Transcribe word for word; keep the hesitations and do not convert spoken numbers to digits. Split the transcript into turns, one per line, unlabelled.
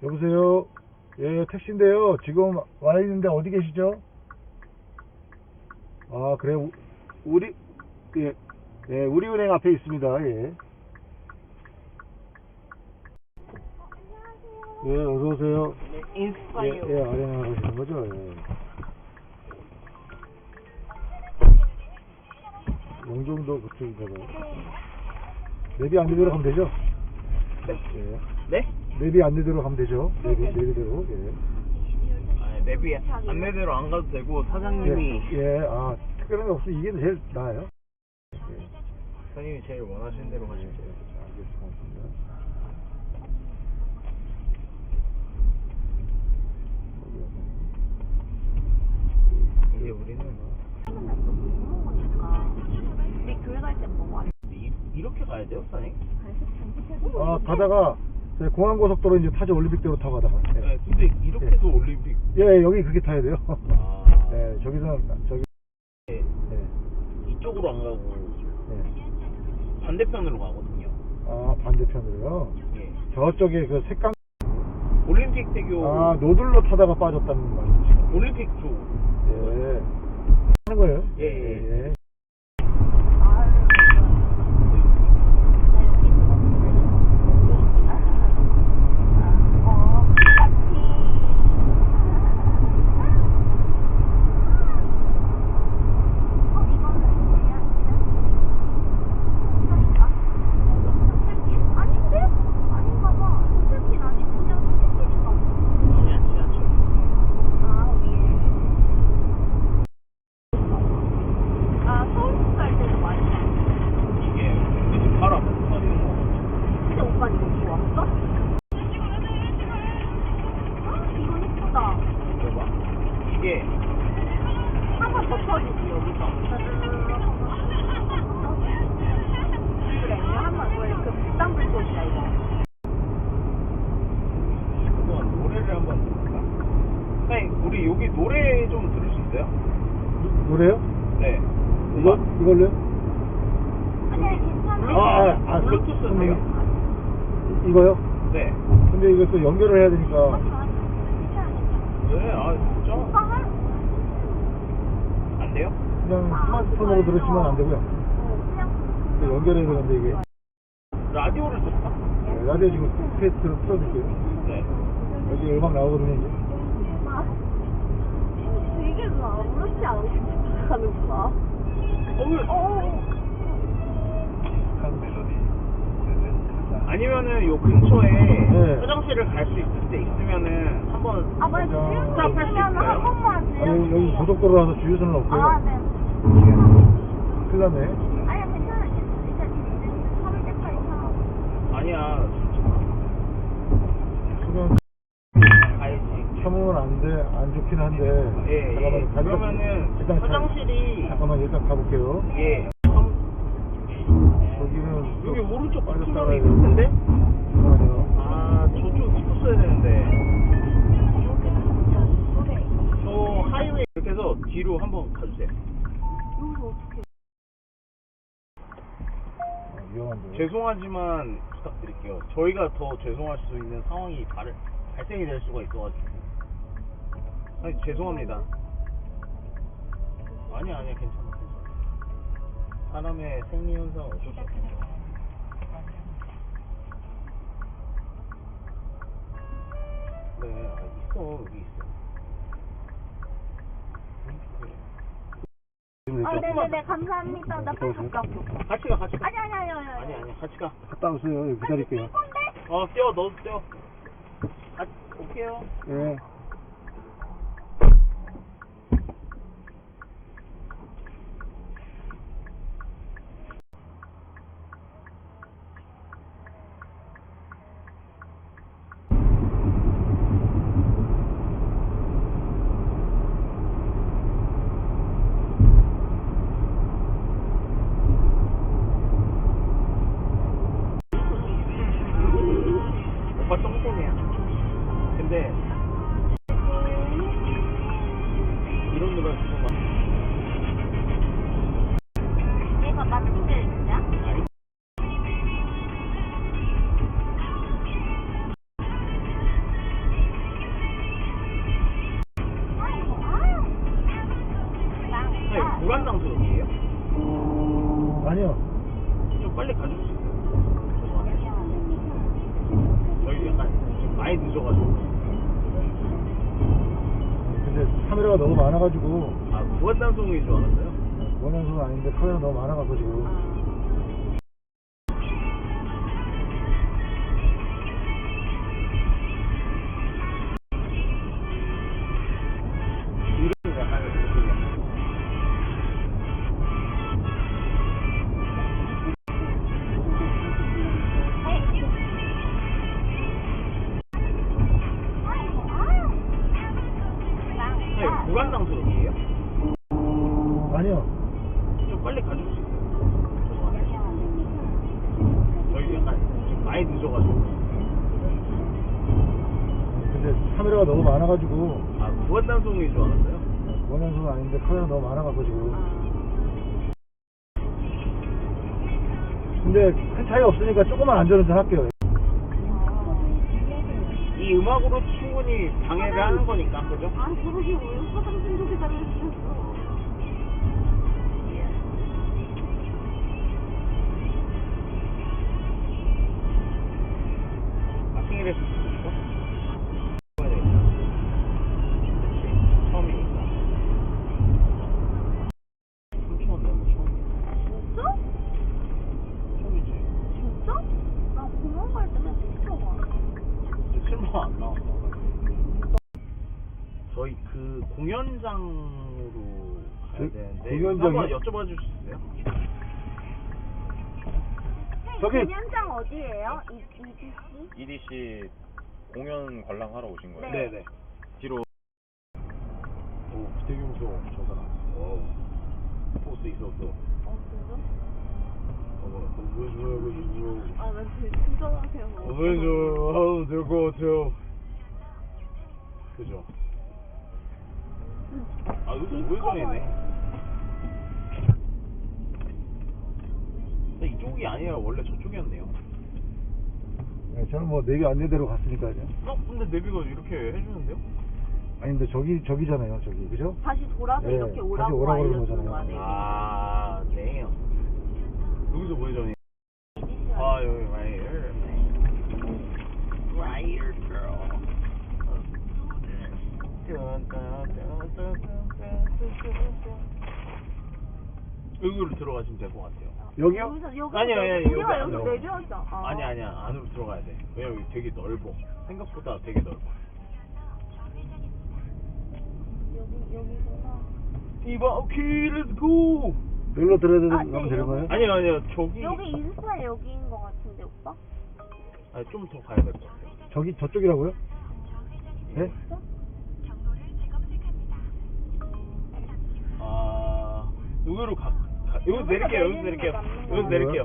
여보세요. 예, 택시인데요. 지금 와 있는데 어디 계시죠? 아, 그래. 우, 우리 예, 예, 우리은행 앞에 있습니다. 예. 예, 어서 오세요.
네,
예,
인스파이어.
예, 아레나 가시는 거죠? 예. 용종도 그쪽인가요? 내비 안내대로 가면 되죠?
네.
예.
네?
내비 안내대로 가면 되죠? 내비, 내비대로. 예.
아, 내비 안내대로 안 가도 되고 사장님이
예, 예, 아, 특별한 게 없으면 이게 제일 나아요. 예.
사장님이 제일 원하시는 대로 가시면 돼요.
알겠습니다.
이제 우리는
우리 교회 갈 때 뭐 왔어?
이, 이렇게 가야 돼요, 사장님?
아, 가다가 저희 공항고속도로 이제 타죠. 올림픽대로 타고 가다가. 예,
네, 근데 이렇게 해서 올림픽.
예, 여기 그렇게 타야 돼요.
아,
예, 저기서 저기.
네.
예,
이쪽으로 안 가고
예.
반대편으로 가거든요.
아, 반대편으로요.
예.
저쪽에 그 색강.
올림픽 대교.
아, 노들로 타다가 빠졌다는 말이죠.
올림픽 쪽.
예. 하는 거예요?
예, 예.
예.
아니야, 지하철. 이게 왠지 바로 앞에 터지는 거 같아.
근데 오빠 이거 입고 왔어? 이거 예쁘다.
이거 봐. 이게
한 번 더 터지지 여기서. 그래 이거 한번 원래 그 비싼 불꽃이야 이거.
그동안 노래를 한번 들을까? 사장님, 우리 여기 노래 좀 들을 수 있어요?
노래요?
네.
이거? 이걸로요?
아니 괜찮아.
아, 아, 아,
블루투스
그-
돼요?
이- 이거요?
네.
근데 이거 또 연결을 해야 되니까.
네, 아, 진짜?
오빠 할?
안 돼요?
그냥 스마트폰으로 들으시면 안 되고요.
어 그냥.
또 연결해야 되는데 이게.
라디오를 들을까?
네, 라디오 지금 스페이스로 틀어줄게요.
네.
여기 음악 나오거든요, 이제.
되게 아무렇지 않게 하는구나.
어, 왜?
어.
아니면은 요 근처에
네.
화장실을 갈 수 있을 때 있으면은 한번
아 맞아.
자,
할수
주유소면
있어요?
한 번만
아니,
들려주세요.
여기 고속도로라서 주유소는 없고요.
아 네.
큰일 났네.
아니야 괜찮아. 일단 삼을 때까지 사.
아니야.
수면
가야지.
참으면 안 돼, 안 좋긴 한데.
예, 예.
잠깐만요. 잠깐-
그러면은
일단 자-
화장실이
잠깐만 일단 가볼게요.
예.
저기는
여기 오른쪽
빠졌다
구멍이
가야
있을 텐데?
잠깐만요.
아, 저쪽 있었어야 되는데. 저 하이웨이 이렇게 해서 뒤로 한번 가주세요.
여기서 어떻게?
아, 위험한데.
죄송하지만 부탁드릴게요. 저희가 더 죄송할 수 있는 상황이 발, 발생이 될 수가 있어가지고. 아니, 죄송합니다. 아니야, 아니야, 괜찮아, 괜찮아. 사람의 생리현상 어쩔 수 없어. 네, 아, 있어, 여기 있어. 그래.
아 네네네 감사합니다. 나 빨리 갔다 올게. 오빠.
같이 가, 같이 가.
아니 아니 아니 아니.
아니, 아니, 같이 가.
갔다 오세요. 여기 기다릴게요.
어, 떼어, 너도 떼어. 아, 올게요.
예.
오빠 똥손이야. 근데 이런 노래 듣고 막
얘가 맞는데 진짜?
아니 구간당수역이에요?
아니요.
좀 빨리 가줄 수 있어요? 죄송합니다. 저희 약간 좀 많이 늦어가지고.
근데 카메라가 너무 많아가지고
아, 구간당수역인 줄 알았어요?
원연소는 아닌데 카메라 너무 많아가지고 지금.
이름 약간 그렇군요. 네, 구간당수역이에요?
아니요.
좀 빨리 가줄 수 있어요? 죄송합니다. 저희 약간 좀 많이 늦어가지고.
근데 카메라가 너무 많아가지고
아, 구간당수역인 줄 알았어요?
원연소는 아닌데 카메라 너무 많아가지고 지금. 근데 큰 차이 없으니까 조금만 안전운전 할게요.
이 음악으로 충분히 방해를 하는 거니까, 그죠?
아, 그러게 왜 화장실 속에 다녔어?
아, 생일에 있어? 처음이니까. 삼천 원 내고 처음이야.
진짜?
처음이지.
진짜? 나 공원 갈 때는 진짜 와.
근데 칠만 원 안 나왔어. 저희 그 공연장으로 가야
저-
되는데
공연장이요?
한번 여쭤봐 주실 수 있어요?
저기-
공연장 어디예요? 이 이디씨?
이디씨 공연 관람하러 오신 거예요?
네.
네네.
뒤로
오, 되게 무서워, 저 사람. 와우. 포스 있었어.
어, 진짜?
어머, 너무 무서워, 무서워.
아, 나 되게 친절하세요.
왜 저, 하도 될 것 같아요. 그죠? 아, 여기 우회전이네. 근데 이쪽이 아니라 원래 저쪽이었네요.
네, 저는 뭐 내비 안내대로 갔으니까요.
어? 근데 내비가 이렇게 해주는데요?
아니 근데 저기 저기잖아요, 저기 그죠?
다시 돌아서
네,
이렇게
다시
오라고
오라고 그러는
알려주는
거잖아요.
거야.
아, 네. 여기서 우회전이. 아, 여기 right here. Right here, girl. 여기로 들어가시면 될 것 같아요.
여기요?
여기서 여기
아니요, 아니요, 여기
우리가
안
여기서
들어가.
내려왔어. 아.
아니 아니야, 안으로 들어가야 돼. 왜냐면 여기 되게 넓어. 생각보다 되게 넓어.
여기 여기구나.
이바오키, 렛츠고!
여기로 들어야
아, 네,
되는 되는 거예요?
아니요, 아니요, 저기.
여기 인스타 여기인 것 같은데 오빠?
아니, 좀 더 가야 될 것 같아요.
저기 저쪽이라고요? 네?
아, 여기로 가, 가 여기서
여기서
내릴게요, 여기서
내리는
내릴게요.
게 맞는
여기서
거야.
내릴게요.